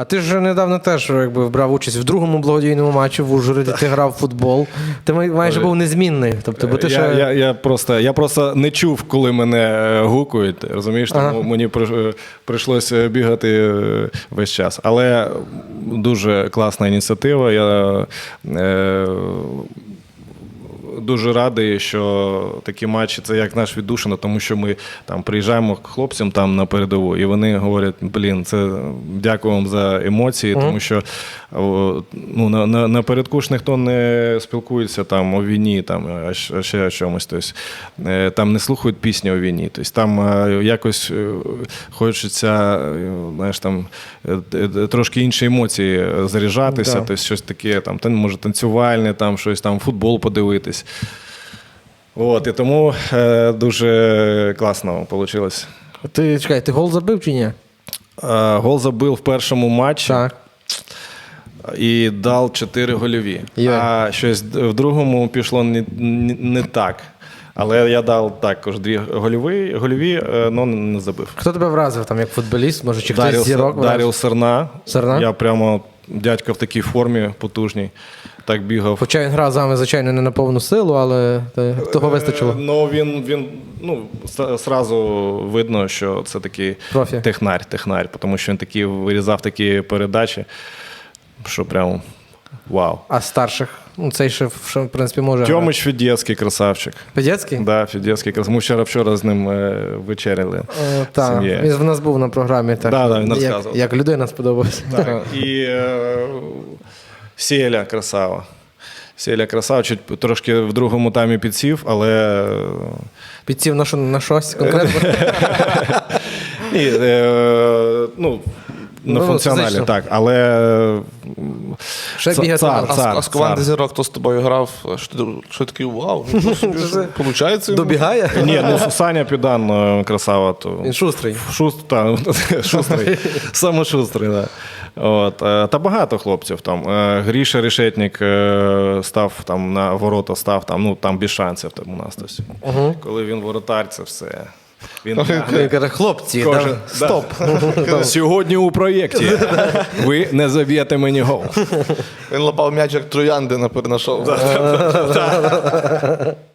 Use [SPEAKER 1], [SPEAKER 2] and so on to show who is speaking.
[SPEAKER 1] А ти ж недавно теж якби брав участь в другому благодійному матчі в Ужгороді, ти грав в футбол. Ти майже був незмінний. Тобто, бо ти
[SPEAKER 2] я просто не чув, коли мене гукають, розумієш, тому мені прийшлося бігати весь час. Але дуже класна ініціатива. Я дуже радий, що такі матчі – це як наш віддушина, тому що ми там приїжджаємо к хлопцям там на передову, і вони говорять, дякую вам за емоції, тому що напередку ж ніхто не спілкується там о війні, там, а ще о чомусь. Тобто, там не слухають пісні о війні. Тобто, там якось хочеться, знаєш, там, трошки інші емоції заряджатися, тобто, щось таке, там, може танцювальне, там, щось там, футбол подивитись. І тому дуже класно вийшло.
[SPEAKER 1] Ти гол забив чи ні?
[SPEAKER 2] Гол забив в першому матчі.
[SPEAKER 1] Так.
[SPEAKER 2] І дав 4 гольові. А щось в другому пішло не так. Але я дав також 2 гольові, але не забив.
[SPEAKER 1] Хто тебе вразив там, як футболіст? Може, чи хтось зірок вразив?
[SPEAKER 2] Дар'я Серна.
[SPEAKER 1] Серна?
[SPEAKER 2] Я прямо, дядько в такій формі потужній, так бігав.
[SPEAKER 1] Хоча він грав з вами, звичайно, не на повну силу, але того вистачило.
[SPEAKER 2] Він зразу видно, що це такий технарь, тому що він такий вирізав такі передачі, що прямо вау.
[SPEAKER 1] А старших? Цей ще, в принципі, може грати.
[SPEAKER 2] Тьомич Федецький, красавчик.
[SPEAKER 1] Федецький?
[SPEAKER 2] Так, да, Федецький. Ми вчора з ним вечеряли.
[SPEAKER 1] Так, він в нас був на програмі.
[SPEAKER 2] Так, він розказував.
[SPEAKER 1] Як людина сподобалася.
[SPEAKER 2] Так, і Селя красава. Селя красава, трошки в другому таймі підсів, але...
[SPEAKER 1] Підсів на щось конкретно?
[SPEAKER 2] Ні, на функціоналі, так, але...
[SPEAKER 3] А з команди зірок, хто з тобою грав, що такий вау, получається?
[SPEAKER 1] Добігає?
[SPEAKER 2] Ні, Саня Підан красава.
[SPEAKER 1] Він шустрий.
[SPEAKER 2] Шустрий, саме шустрий, так. Та багато хлопців там. Гріша Решетник став там на ворота, там без шансів там у нас. Коли він воротар, це все.
[SPEAKER 1] Він каже, хлопці, стоп.
[SPEAKER 2] Сьогодні у проєкті ви не заб'єте мені гол.
[SPEAKER 3] Він лапав м'яч як троянди на перенашов.